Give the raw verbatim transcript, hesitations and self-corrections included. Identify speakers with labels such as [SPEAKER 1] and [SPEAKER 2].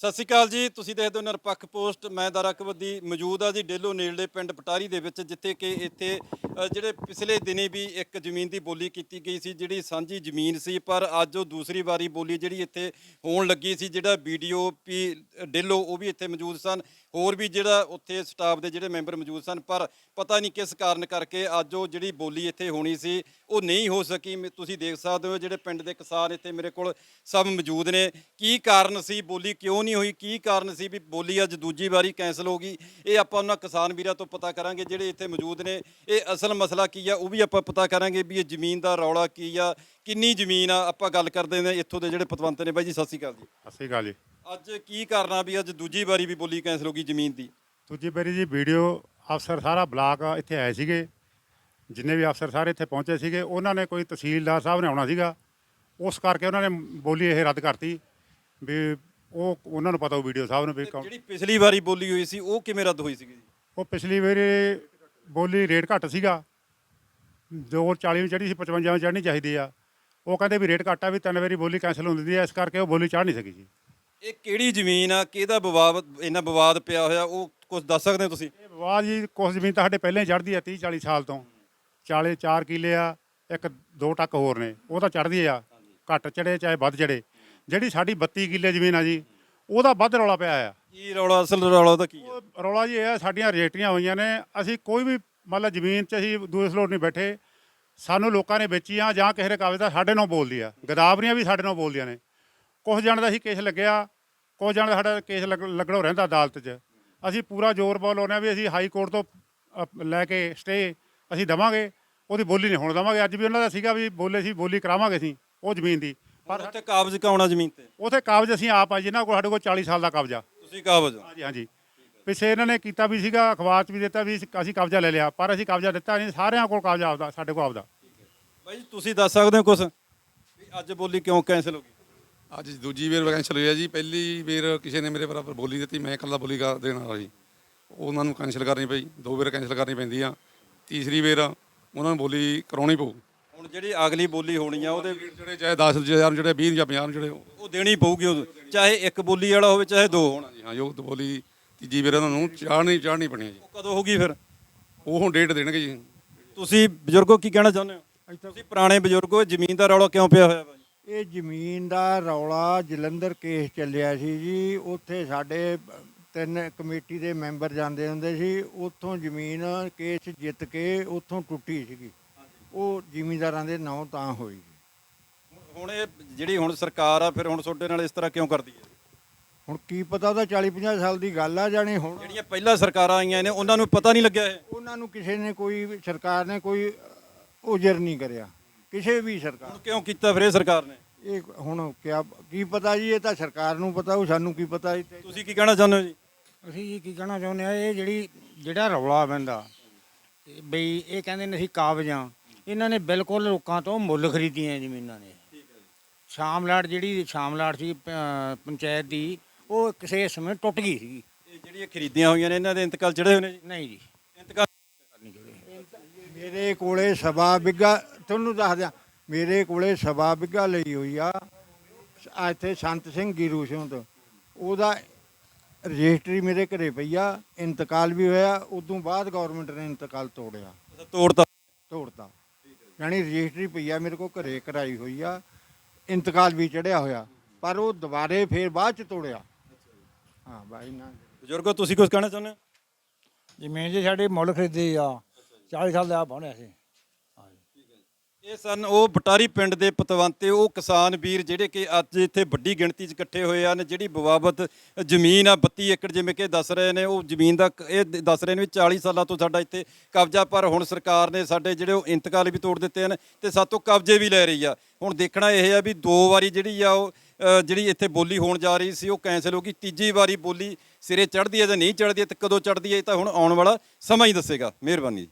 [SPEAKER 1] ਸਤਿ ਸ਼੍ਰੀ ਅਕਾਲ ਜੀ। ਤੁਸੀਂ ਦੇਖਦੇ ਹੋ ਨਿਰਪੱਖ ਪੋਸਟ। ਮੈਂ ਦਰਅਕਬਦੀ ਮੌਜੂਦ ਆ ਜੀ ਡੇਲੋ ਨੇੜਲੇ ਪਿੰਡ ਪਟਾਰੀ ਦੇ ਵਿੱਚ, ਜਿੱਥੇ ਕਿ ਇੱਥੇ ਅ, ਜਿਹੜੇ ਪਿਛਲੇ ਦਿਨੇ ਵੀ ਇੱਕ ਜ਼ਮੀਨ ਦੀ ਬੋਲੀ ਕੀਤੀ ਗਈ ਸੀ, ਜਿਹੜੀ ਸਾਂਝੀ ਜ਼ਮੀਨ ਸੀ, ਪਰ ਅੱਜ ਉਹ ਦੂਸਰੀ ਵਾਰੀ ਬੋਲੀ ਜਿਹੜੀ ਇੱਥੇ ਹੋਣ ਲੱਗੀ ਸੀ। ਜਿਹੜਾ ਬੀਡੀਓ ਪੀ ਡੇਲੋ ਉਹ ਵੀ ਇੱਥੇ ਮੌਜੂਦ ਸਨ, ਹੋਰ ਵੀ ਜਿਹੜਾ ਉੱਥੇ ਸਟਾਫ ਦੇ ਜਿਹੜੇ ਮੈਂਬਰ ਮੌਜੂਦ ਸਨ, ਪਰ ਪਤਾ ਨਹੀਂ ਕਿਸ ਕਾਰਨ ਕਰਕੇ ਅੱਜ ਉਹ ਜਿਹੜੀ ਬੋਲੀ ਇੱਥੇ ਹੋਣੀ ਸੀ ਉਹ ਨਹੀਂ ਹੋ ਸਕੀ। ਮ- ਤੁਸੀਂ ਦੇਖ ਸਕਦੇ ਹੋ ਜਿਹੜੇ ਪਿੰਡ ਦੇ ਕਿਸਾਨ ਇੱਥੇ ਮੇਰੇ ਕੋਲ ਸਭ ਮੌਜੂਦ ਨੇ। ਕੀ ਕਾਰਨ ਸੀ, ਬੋਲੀ ਕਿਉਂ ਨਹੀਂ ਹੋਈ, ਕੀ ਕਾਰਨ ਸੀ ਵੀ ਬੋਲੀ ਅੱਜ ਦੂਜੀ ਵਾਰੀ ਕੈਂਸਲ ਹੋ ਗਈ, ਇਹ ਆਪਾਂ ਉਹਨਾਂ ਕਿਸਾਨ ਵੀਰਾਂ ਤੋਂ ਪਤਾ ਕਰਾਂਗੇ ਜਿਹੜੇ ਇੱਥੇ ਮੌਜੂਦ ਨੇ। ਇਹ ਅਸਲ ਮਸਲਾ ਕੀ ਆ ਉਹ ਵੀ ਆਪਾਂ ਪਤਾ ਕਰਾਂਗੇ ਵੀ ਇਹ ਜ਼ਮੀਨ ਦਾ ਰੌਲਾ ਕੀ ਆ, ਕਿੰਨੀ ਜ਼ਮੀਨ ਆ। ਆਪਾਂ ਗੱਲ ਕਰਦੇ ਨੇ ਇੱਥੋਂ ਦੇ ਜਿਹੜੇ ਪਤਵੰਤ ਨੇ। ਬਾਈ ਜੀ ਸਤਿ ਸ਼੍ਰੀ ਅਕਾਲ ਜੀ।
[SPEAKER 2] ਸਤਿ ਸ਼੍ਰੀ ਅਕਾਲ ਜੀ।
[SPEAKER 1] ਅੱਜ ਕੀ ਕਰਨਾ ਵੀ ਅੱਜ ਦੂਜੀ ਵਾਰੀ ਵੀ ਬੋਲੀ ਕੈਂਸਲ ਹੋ ਗਈ ਜ਼ਮੀਨ ਦੀ?
[SPEAKER 2] ਦੂਜੀ ਵਾਰੀ ਜੀ ਵੀਡੀਓ ਅਫਸਰ ਸਾਰਾ ਬਲਾਕ ਇੱਥੇ ਆਏ ਸੀਗੇ, ਜਿੰਨੇ ਵੀ ਅਫਸਰ ਸਾਰੇ ਇੱਥੇ ਪਹੁੰਚੇ ਸੀਗੇ। ਉਹਨਾਂ ਨੇ ਕੋਈ ਤਹਿਸੀਲਦਾਰ ਸਾਹਿਬ ਨੇ ਆਉਣਾ ਸੀਗਾ, ਉਸ ਕਰਕੇ ਉਹਨਾਂ ਨੇ ਬੋਲੀ ਇਹ ਰੱਦ ਕਰਤੀ ਵੀ ਉਹ ਉਹਨਾਂ ਨੂੰ ਪਤਾ ਉਹ ਵੀਡੀਓ ਸਾਹਿਬ ਨੂੰ ਵੀ ਕੌਣ-
[SPEAKER 1] ਜਿਹੜੀ ਪਿਛਲੀ ਵਾਰੀ ਬੋਲੀ ਹੋਈ ਸੀ ਉਹ ਕਿਵੇਂ ਰੱਦ ਹੋਈ ਸੀਗੀ ਜੀ?
[SPEAKER 2] ਉਹ ਪਿਛਲੀ ਵਾਰੀ ਬੋਲੀ ਰੇਟ ਘੱਟ ਸੀਗਾ, ਦੋ ਚਾਲੀ ਨੂੰ ਚੜ੍ਹੀ ਸੀ, ਪਚਵੰਜਾ ਨੂੰ ਚੜ੍ਹਨੀ ਚਾਹੀਦੀ ਆ। ਉਹ ਕਹਿੰਦੇ ਵੀ ਰੇਟ ਘੱਟ ਆ, ਵੀ ਤਿੰਨ ਵਾਰੀ ਬੋਲੀ ਕੈਂਸਲ ਹੁੰਦੀ ਹੈ, ਇਸ ਕਰਕੇ ਉਹ ਬੋਲੀ ਚੜ੍ਹ ਨਹੀਂ ਸਕੀ ਜੀ।
[SPEAKER 1] ਇਹ ਕਿਹੜੀ ਜ਼ਮੀਨ ਆ, ਕਿਹਦਾ ਵਿਵਾਦ, ਇੰਨਾ ਵਿਵਾਦ ਪਿਆ ਹੋਇਆ, ਉਹ ਕੁਝ ਦੱਸ ਸਕਦੇ ਹੋ ਤੁਸੀਂ?
[SPEAKER 2] ਇਹ ਵਿਵਾਦ ਜੀ ਕੁਛ ਜ਼ਮੀਨ ਤਾਂ ਸਾਡੇ ਪਹਿਲਾਂ ਹੀ ਚੜ੍ਹਦੀ ਆ, ਤੀਹ ਚਾਲੀ ਸਾਲ ਤੋਂ। ਚਾਲੀ ਚਾਰ ਕਿੱਲੇ ਆ, ਇੱਕ ਦੋ ਟੱਕ ਹੋਰ ਨੇ, ਉਹ ਤਾਂ ਚੜ੍ਹਦੀ ਆ, ਘੱਟ ਚੜੇ ਚਾਹੇ ਵੱਧ ਚੜੇ। ਜਿਹੜੀ ਸਾਡੀ ਬੱਤੀ ਕਿੱਲੇ ਜ਼ਮੀਨ ਆ ਜੀ, ਉਹਦਾ ਵੱਧ ਰੌਲਾ ਪਿਆ ਆ।
[SPEAKER 1] ਕੀ ਰੌਲਾ, ਅਸਲ ਰੌਲਾ ਉਹਦਾ ਕੀ ਆ?
[SPEAKER 2] ਉਹ ਰੌਲਾ ਜੀ ਇਹ ਆ, ਸਾਡੀਆਂ ਰਜਿਸਟਰੀਆਂ ਹੋਈਆਂ ਨੇ, ਅਸੀਂ ਕੋਈ ਵੀ ਮਤਲਬ ਜ਼ਮੀਨ 'ਚ ਅਸੀਂ ਦੂਏ ਸਲੋਟ ਨਹੀਂ ਬੈਠੇ। ਸਾਨੂੰ ਲੋਕਾਂ ਨੇ ਵੇਚੀਆਂ ਜਾਂ ਕਿਸੇ ਦੇ ਕਾਗਜ਼ ਦਾ ਸਾਡੇ ਨਾਲ ਬੋਲਦੀ ਆ, ਗਦਾਵਰੀਆਂ ਵੀ ਸਾਡੇ ਨਾਲ ਬੋਲਦੀਆਂ ਨੇ। ਕੁਛ ਜਣ ਦਾ ਅਸੀਂ ਕੇਸ ਲੱਗਿਆ, ਕੁਛ ਜਣ ਦਾ ਸਾਡਾ ਕੇਸ ਲੱਗ ਲੱਗਣੋਂ ਰਹਿੰਦਾ ਅਦਾਲਤ 'ਚ। ਅਸੀਂ ਪੂਰਾ ਜ਼ੋਰ ਬੋਲ ਲਾਉਂਦੇ ਹਾਂ ਵੀ ਅਸੀਂ ਹਾਈ ਕੋਰਟ ਤੋਂ ਅ, ਲੈ ਕੇ ਸਟੇ ਅਸੀਂ ਦੇਵਾਂਗੇ, ਉਹਦੀ ਬੋਲੀ ਨਹੀਂ ਹੋਣ ਦੇਵਾਂਗੇ। ਅੱਜ ਵੀ ਉਹਨਾਂ ਦਾ ਸੀਗਾ ਵੀ ਬੋਲੇ ਸੀ ਬੋਲੀ ਕਰਾਵਾਂਗੇ ਅਸੀਂ ਉਹ ਜ਼ਮੀਨ ਦੀ,
[SPEAKER 1] ਪਰ ਉੱਥੇ ਕਾਬਜ਼ ਕਾਉਣਾ ਜ਼ਮੀਨ ਤੇ?
[SPEAKER 2] ਉੱਥੇ ਕਾਗਜ਼ ਅਸੀਂ ਆਪ ਆ, ਜਿਨ੍ਹਾਂ ਕੋਲ ਸਾਡੇ ਕੋਲ ਚਾਲੀ ਸਾਲ ਦਾ ਕਬਜ਼ਾ।
[SPEAKER 1] ਤੁਸੀਂ ਕਾਬਜ਼ ਹੋ?
[SPEAKER 2] ਹਾਂਜੀ ਹਾਂਜੀ। ਪਿੱਛੇ ਇਹਨਾਂ ਨੇ ਕੀਤਾ ਵੀ ਸੀਗਾ, ਅਖਬਾਰ 'ਚ ਵੀ ਦਿੱਤਾ ਵੀ ਅਸੀਂ ਕਬਜ਼ਾ ਲੈ ਲਿਆ, ਪਰ ਅਸੀਂ ਕਬਜ਼ਾ ਦਿੱਤਾ ਨਹੀਂ। ਸਾਰਿਆਂ ਕੋਲ ਕਬਜ਼ਾ ਆਪਦਾ, ਸਾਡੇ ਕੋਲ ਆਪਦਾ।
[SPEAKER 1] ਬਾਈ ਜੀ ਤੁਸੀਂ ਦੱਸ ਸਕਦੇ ਹੋ ਕੁਝ ਵੀ ਅੱਜ ਬੋਲੀ ਕਿਉਂ ਕੈਂਸਲ ਹੋ ਗਈ?
[SPEAKER 3] ਅੱਜ ਦੂਜੀ ਵਾਰ ਕੈਂਸਲ ਹੋਈ ਹੈ ਜੀ। ਪਹਿਲੀ ਵਾਰ ਕਿਸੇ ਨੇ ਮੇਰੇ ਬਰਾਬਰ ਬੋਲੀ ਦਿੱਤੀ, ਮੈਂ ਇਕੱਲਾ ਬੋਲੀ ਕਰ ਦੇਣ ਵਾਲਾ ਸੀ, ਉਹਨਾਂ ਨੂੰ ਕੈਂਸਲ ਕਰਨੀ ਪਈ। ਦੋ ਵਾਰ ਕੈਂਸਲ ਕਰਨੀ ਪੈਂਦੀ ਆ, ਤੀਸਰੀ ਵਾਰ ਉਹਨਾਂ ਨੂੰ ਬੋਲੀ ਕਰਾਉਣੀ ਪਊ।
[SPEAKER 1] ਹੁਣ ਜਿਹੜੀ ਅਗਲੀ ਬੋਲੀ ਹੋਣੀ ਆ ਉਹਦੇ
[SPEAKER 3] ਜਿਹੜੇ ਚਾਹੇ ਦਸ ਹਜ਼ਾਰ ਨੂੰ, ਜਿਹੜੇ ਵੀਹ ਜਾਂ ਪੰਜਾਹ ਨੂੰ, ਜਿਹੜੇ
[SPEAKER 1] ਉਹ ਦੇਣੀ ਪਊਗੀ, ਉਹ ਚਾਹੇ ਇੱਕ ਬੋਲੀ ਵਾਲਾ ਹੋਵੇ ਚਾਹੇ ਦੋ ਹੋਣ।
[SPEAKER 3] ਜੀ ਹਾਂ, ਜੋ ਬੋਲੀ ਤੀਜੀ ਵਾਰ ਉਹਨਾਂ ਨੂੰ ਚਾੜਨੀ ਚਾੜਨੀ ਪੈਣੀ ਹੈ ਜੀ।
[SPEAKER 1] ਉਹ ਕਦੋਂ ਹੋਗੀ ਫਿਰ?
[SPEAKER 3] ਉਹ ਹੁਣ ਡੇਟ ਦੇਣਗੇ ਜੀ।
[SPEAKER 1] ਤੁਸੀਂ ਬਜ਼ੁਰਗੋ ਕੀ ਕਹਿਣਾ ਚਾਹੁੰਦੇ ਹੋ? ਤੁਸੀਂ ਪੁਰਾਣੇ ਬਜ਼ੁਰਗੋ, ਜ਼ਮੀਨ ਦਾ ਰੌਲਾ ਕਿਉਂ ਪਿਆ ਹੋਇਆ ਬਾਈ?
[SPEAKER 4] ਇਹ ਜ਼ਮੀਨ ਦਾ ਰੌਲਾ ਜਲੰਧਰ ਕੇਸ ਚੱਲਿਆ ਸੀ ਜੀ। ਉੱਥੇ ਸਾਡੇ ਤਿੰਨ ਕਮੇਟੀ ਦੇ ਮੈਂਬਰ ਜਾਂਦੇ ਹੁੰਦੇ ਸੀ, ਉੱਥੋਂ ਜ਼ਮੀਨ ਕੇਸ ਜਿੱਤ ਕੇ ਉੱਥੋਂ ਟੁੱਟੀ ਸੀਗੀ। ਉਹ ਜ਼ਿਮੀਂਦਾਰਾਂ ਦੇ ਨਾਂ ਤਾਂ ਹੋਈ।
[SPEAKER 1] ਹੁਣ ਇਹ ਜਿਹੜੀ ਹੁਣ ਸਰਕਾਰ ਆ, ਫਿਰ ਹੁਣ ਤੁਹਾਡੇ ਨਾਲ ਇਸ ਤਰ੍ਹਾਂ ਕਿਉਂ ਕਰਦੀ ਹੈ?
[SPEAKER 4] ਹੁਣ ਕੀ ਪਤਾ, ਉਹਦਾ ਚਾਲੀ ਪੰਜਾਹ ਸਾਲ ਦੀ ਗੱਲ ਆ ਜਾਣੀ। ਹੁਣ
[SPEAKER 1] ਜਿਹੜੀਆਂ ਪਹਿਲਾਂ ਸਰਕਾਰਾਂ ਆਈਆਂ ਨੇ ਉਹਨਾਂ ਨੂੰ ਪਤਾ ਨਹੀਂ ਲੱਗਿਆ ਇਹ?
[SPEAKER 4] ਉਹਨਾਂ ਨੂੰ ਕਿਸੇ ਨੇ ਕੋਈ ਸਰਕਾਰ ਨੇ ਕੋਈ ਉਜਰ ਨਹੀਂ ਕਰਿਆ, ਕਿਸੇ ਵੀ ਸਰਕਾਰ।
[SPEAKER 1] ਹੁਣ ਕਿਉਂ ਕੀਤਾ ਫਿਰ ਇਹ ਸਰਕਾਰ ਨੇ?
[SPEAKER 4] ਇਹ ਹੁਣ ਕਿਆ ਕੀ ਪਤਾ ਜੀ, ਇਹ ਤਾਂ ਸਰਕਾਰ ਨੂੰ ਪਤਾ, ਉਹ ਸਾਨੂੰ ਕੀ ਪਤਾ ਜੀ।
[SPEAKER 1] ਤੁਸੀਂ ਕੀ ਕਹਿਣਾ ਚਾਹੁੰਦੇ ਹੋ ਜੀ?
[SPEAKER 5] ਅਸੀਂ ਜੀ ਕੀ ਕਹਿਣਾ ਚਾਹੁੰਦੇ ਆ, ਇਹ ਜਿਹੜੀ ਜਿਹੜਾ ਰੌਲਾ ਪੈਂਦਾ ਬਈ ਇਹ ਕਹਿੰਦੇ ਨੇ ਅਸੀਂ ਕਾਬਜ਼ਾਂ, ਇਹਨਾਂ ਨੇ ਬਿਲਕੁਲ ਲੋਕਾਂ ਤੋਂ ਮੁੱਲ ਖਰੀਦੀਆਂ ਜ਼ਮੀਨਾਂ ਨੇ। ਸ਼ਾਮਲਾਟ ਜਿਹੜੀ ਸ਼ਾਮਲਾਟ ਸੀ ਪ- ਪੰਚਾਇਤ ਦੀ, ਉਹ ਕਿਸੇ ਸਮੇਂ ਟੁੱਟ ਗਈ ਸੀਗੀ।
[SPEAKER 1] ਇਹ ਜਿਹੜੀਆਂ ਖਰੀਦੀਆਂ ਹੋਈਆਂ ਨੇ ਇਹਨਾਂ ਦੇ ਇੰਤਕਾਲ ਚੜੇ ਹੋਏ ਨੇ ਜੀ?
[SPEAKER 5] ਨਹੀਂ ਜੀ,
[SPEAKER 1] ਇੰਤਕਾਲ
[SPEAKER 5] ਨਹੀਂ ਜੁੜੇ।
[SPEAKER 4] ਮੇਰੇ ਕੋਲੇ ਸਵਾ ਬਿੱਗਾ, ਤੁਹਾਨੂੰ ਦੱਸ ਦਿਆਂ, ਮੇਰੇ ਕੋਲੇ ਸਵਾ ਬਿੱਗਾ ਲਈ ਹੋਈ ਆ ਆ ਇੱਥੇ ਸੰਤ ਸਿੰਘ ਗੀਰੂ ਸਿੰਘ ਤੋਂ। ਉਹਦਾ ਰਜਿਸਟਰੀ ਮੇਰੇ ਘਰੇ ਪਈ ਆ, ਇੰਤਕਾਲ ਵੀ ਹੋਇਆ। ਉਦੋਂ ਬਾਅਦ ਗਵਰਨਮੈਂਟ ਨੇ ਇੰਤਕਾਲ ਤੋੜਿਆ,
[SPEAKER 1] ਤੋੜਤਾ?
[SPEAKER 4] ਤੋੜਤਾ ਯਾਨੀ ਰਜਿਸਟਰੀ ਪਈ ਆ ਮੇਰੇ ਕੋਲ ਘਰੇ ਕਰਾਈ ਹੋਈ ਆ, ਇੰਤਕਾਲ ਵੀ ਚੜਿਆ ਹੋਇਆ, ਪਰ ਉਹ ਦੁਬਾਰੇ ਫੇਰ ਬਾਅਦ ਚ ਤੋੜਿਆ। ਹਾਂ ਬਾਈ ਨਾ
[SPEAKER 1] ਬਜ਼ੁਰਗੋ ਤੁਸੀਂ ਕੁਝ ਕਹਿਣਾ ਚਾਹੁੰਦੇ ਹੋ?
[SPEAKER 5] ਜ਼ਮੀਨ ਜੀ ਸਾਡੀ ਮੁੱਲ ਖਰੀਦੀ ਆ, ਚਾਲੀ ਸਾਲ ਦਾ ਬਣਿਆ ਸੀ।
[SPEAKER 1] ਇਹ ਸਨ ਉਹ ਬਟਾਰੀ ਪਿੰਡ ਦੇ ਪਤਵੰਤੇ, ਉਹ ਕਿਸਾਨ ਵੀਰ ਜਿਹੜੇ ਕਿ ਅੱਜ ਇੱਥੇ ਵੱਡੀ ਗਿਣਤੀ 'ਚ ਇਕੱਠੇ ਹੋਏ ਹਨ। ਜਿਹੜੀ ਬਵਾਬਤ ਜ਼ਮੀਨ ਆ ਬੱਤੀ ਏਕੜ ਜਿਵੇਂ ਕਿ ਦੱਸ ਰਹੇ ਨੇ, ਉਹ ਜ਼ਮੀਨ ਦਾ ਕ- ਇਹ ਦ- ਦੱਸ ਰਹੇ ਨੇ ਵੀ ਚਾਲੀ ਸਾਲਾਂ ਤੋਂ ਸਾਡਾ ਇੱਥੇ ਕਬਜ਼ਾ, ਪਰ ਹੁਣ ਸਰਕਾਰ ਨੇ ਸਾਡੇ ਜਿਹੜੇ ਉਹ ਇੰਤਕਾਲ ਵੀ ਤੋੜ ਦਿੱਤੇ ਹਨ ਤੇ ਸਾਤੋਂ ਕਬਜ਼ੇ ਵੀ ਲੈ ਰਹੀ ਆ। ਹੁਣ ਦੇਖਣਾ ਇਹ ਆ ਵੀ ਦੋ ਵਾਰੀ ਜਿਹੜੀ ਆ ਉਹ ਅ, ਜਿਹੜੀ ਇੱਥੇ ਬੋਲੀ ਹੋਣ ਜਾ ਰਹੀ ਸੀ ਉਹ ਕੈਂਸਲ ਹੋ ਗਈ। ਤੀਜੀ ਵਾਰੀ ਬੋਲੀ ਸਿਰੇ ਚੜ੍ਹਦੀ ਹੈ ਜਾਂ ਨਹੀਂ ਚੜ੍ਹਦੀ ਹੈ ਤੇ ਕਦੋਂ ਚੜ੍ਹਦੀ ਹੈ, ਇਹ ਤਾਂ ਹੁਣ ਆਉਣ ਵਾਲਾ ਸਮਾਂ ਹੀ ਦੱਸੇਗਾ। ਮਿਹਰਬਾਨੀ।